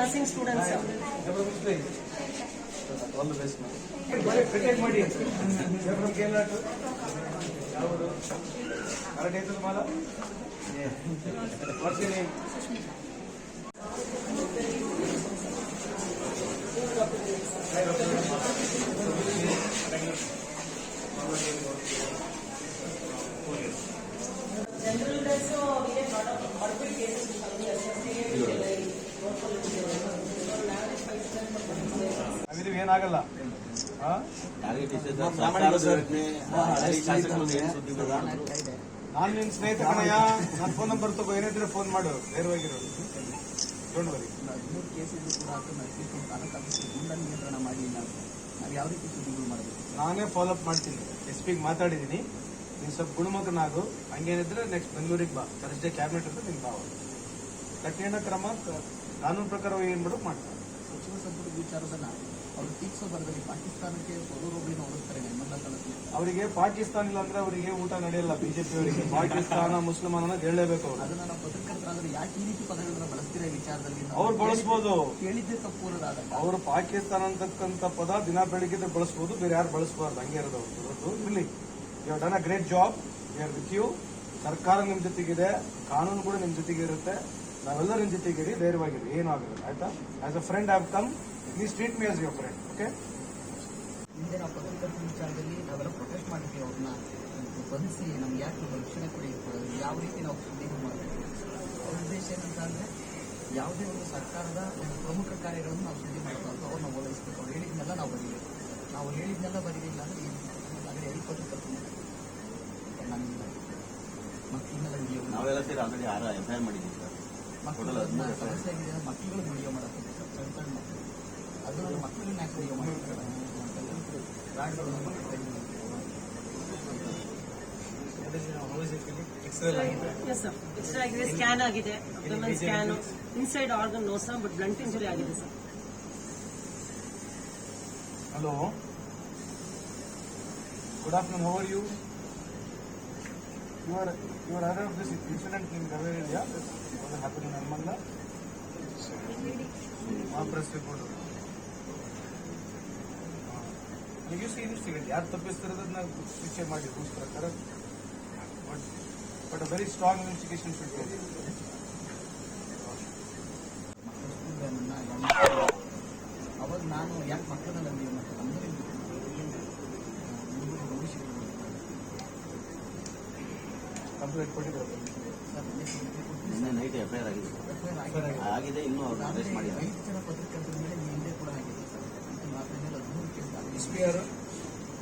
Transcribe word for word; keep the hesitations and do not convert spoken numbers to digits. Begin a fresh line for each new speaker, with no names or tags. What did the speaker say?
nursing students.
All the best, ma'am. Cricket ಮಾಡಿ. You're from Kerala too? ಯಾವುದು? Karate ಐತಲ್ಲ ಮಾಲ? What's your name?
General also we have lot of morbid cases coming associated
with ಏನಾಗಲ್ಲ. ನಾನು ನಿನ್ ಸ್ನೇಹಿತ ಕಣಯ್ಯ, ನನ್ನ ಫೋನ್ ನಂಬರ್ ತಗೋ, ಏನಿದ್ರೆ ಫೋನ್ ಮಾಡು, ನೇರವಾಗಿರೋ. Don't worry.
ಮೂರು ಕೇಸಿದ್ರು ಕೂಡ ನಿಯಂತ್ರಣ ಮಾಡಲಿಲ್ಲ. ನಾವು ಯಾವ ರೀತಿ ಸುದ್ದಿಗಳು ಮಾಡಬೇಕು?
ನಾನೇ ಫಾಲೋ ಅಪ್ ಮಾಡ್ತೀನಿ. ಎಸ್ ಪಿಗೆ ಮಾತಾಡಿದ್ದೀನಿ. ನೀನು ಸ್ವಲ್ಪ ಗುಣಮುಖನಾಗು, ಹಂಗೇನಿದ್ರೆ ನೆಕ್ಸ್ಟ್ ಬೆಂಗಳೂರಿಗೆ ಬಾ. ಥರ್ಸ್ಡೇ ಕ್ಯಾಬಿನೆಟ್ ಅಂತ ನಿನ್ ಬಾವ ಕಠಿಣ ಕ್ರಮ ಕಾನೂನು ಪ್ರಕಾರ ಏನ್ ಮಾಡೋಕೆ ಮಾಡ್ತಾರೆ.
ಸಚಿವ ಸಂಪುಟ ವಿಚಾರದನ್ನ ಅವರು ಟೀಕ್ಸೋ ಬರದಲ್ಲಿ ಪಾಕಿಸ್ತಾನಕ್ಕೆ ಪೌರೊಬ್ಬಳಿನ ಹೋಲಿಸ್ತಾರೆ.
ಅವರಿಗೆ ಪಾಕಿಸ್ತಾನ ಇಲ್ಲ ಅಂದ್ರೆ ಅವರಿಗೆ ಊಟ ನಡೆಯಲ್ಲ. ಬಿಜೆಪಿ ಅವರಿಗೆ ಪಾಕಿಸ್ತಾನ ಮುಸ್ಲಿಮಾನ ಅನ್ನೋದು ಹೇಳಲೇಬೇಕು. ಅವರು
ಅದನ್ನ ನಾವು ಪತ್ರಕರ್ತರಾದ್ರೆ ಯಾಕೆ ಈ ರೀತಿ ಪದಗಳನ್ನ ಬಳಸ್ತಿರೋ ವಿಚಾರದಲ್ಲಿ
ಅವ್ರು ಬಳಸಬಹುದು.
ಕೇಳಿದ್ದೆ ತಪ್ಪು ಅನ್ನೋದಾದಾಗ
ಅವರು ಪಾಕಿಸ್ತಾನ ಅಂತಕ್ಕಂಥ ಪದ ದಿನ ಬೆಳಿಗ್ಗೆ ಬಳಸಬಹುದು, ಬೇರೆ ಯಾರು ಬಳಸಬಾರ್ದು. ಹಂಗೆ ಇರೋದು ಅವರು. ಇಲ್ಲಿ you have done a great job. We are with you. ಸರ್ಕಾರ ನಿಮ್ ಜೊತೆಗಿದೆ, ಕಾನೂನು ಕೂಡ ನಿಮ್ ಜೊತೆಗೆ ಇರುತ್ತೆ. ನಾವೆಲ್ಲ ನಿಮ್ ಜೊತೆಗಿರಿ, ಧೈರ್ಯವಾಗಿರಿ, ಏನೂ ಆಗುತ್ತೆ. ಆಯ್ತಾ? As a friend I have come. Please treat me as your friend. Okay?
ಹಿಂದೆ ನಾವು ಪತ್ರಕರ್ತರ ವಿಚಾರದಲ್ಲಿ ನಾವೆಲ್ಲ ಪ್ರೊಟೆಸ್ಟ್ ಮಾಡಿದ್ವಿ. ಅವ್ರನ್ನ ಬಂಧಿಸಿ ನಮ್ಗೆ ಯಾಕೆ ರಕ್ಷಣೆ ಕೊಡಿ, ಯಾವ ರೀತಿ ನಾವು ಸುದ್ದಿಗಳು ಮಾಡಬೇಕು. ಅವ್ರ ಉದ್ದೇಶ ಏನಂತ ಅಂದ್ರೆ ಯಾವುದೇ ಒಂದು ಸರ್ಕಾರದ ಒಂದು ಪ್ರಮುಖ ಕಾರ್ಯಗಳನ್ನು ನಾವು ಸುದ್ದಿ ಮಾಡಬಾರ್ದು, ಅವ್ರನ್ನ ಓಲೈಸಬೇಕು. ಅವ್ರು ಹೇಳಿದ್ನೆಲ್ಲ ನಾವು ಬರೀಬೇಕು. ನಾವು ಹೇಳಿದ್ನೆಲ್ಲ ಬರೀಲಿಲ್ಲ ಅಂದ್ರೆ ಏನು ಆದರೆ ಐದು ಪತ್ರಕರ್ತರು ನಮ್ಮಿಲ್ಲ ಮಕ್ಕಳನ್ನೆಲ್ಲ ವಿಡಿಯೋ
ನಾವೆಲ್ಲ ಸೇರಿ ಆಲ್ರೆಡಿ ಆರು ಎಫ್ ಐ ಆರ್ ಮಾಡಿದ್ದೀವಿ ಸರ್.
ಮಕ್ಕಳನ್ನ ಸಮಸ್ಯೆ ಆಗಿದೆ, ಮಕ್ಕಳುಗಳು ವಿಡಿಯೋ ಮಾಡಕ್ಕೆ ಸಣ್ಣ ಸಣ್ಣ ಮಕ್ಕಳು ಅದರಲ್ಲಿ ಮಕ್ಕಳನ್ನ ಯಾಕೆ ವಿಡಿಯೋ ಮಾಡ್ತಾರೆ?
Yes sir. X-ray ಆಗಿದೆ, ಸ್ಕ್ಯಾನ್ ಆಗಿದೆ, abdomen scan, inside organ no sir, but blunt injury ಆಗಿದೆ sir.
Hello, good afternoon. How are you? You are you are aware of this incident in Gavir area? What happened in Almanda? Ah, press report. Did you see this incident? ಯಾರು ತಪ್ಪಿಸ್ತಿರೋದನ್ನ ಶಿಕ್ಷೆ ಮಾಡಿ rules ಪ್ರಕಾರ. But but a very strong investigation should be.
ಅವಾಗ ನಾನು ಯಾಕೆ ಮಕ್ಕಳನ್ನ video ಮಾಡ್ತಾರೆ ಅಂದ್ರೆ
ಕಂಪ್ಲೇಂಟ್ ಕೊಟ್ಟಿದ್ದಾರೆ.
ನಿನ್ನೆ ನೈಟ್ ಎಫ್ ಐ ಆರ್ ಆಗಿದೆ ಆಗಿದೆ ಇನ್ನೂ ಅರೆಸ್ಟ್ ಮಾಡಿದ್ದಾರೆ.
ಐದು ಜನ ಪತ್ರಕರ್ತರ ಮೇಲೆ ಹಿಂದೆ ಕೂಡ ಆಗಿದೆ ಸರ್. ಹದಿಮೂರು ಕೇಸ್
ಎಸ್ ಪಿ ಆರ್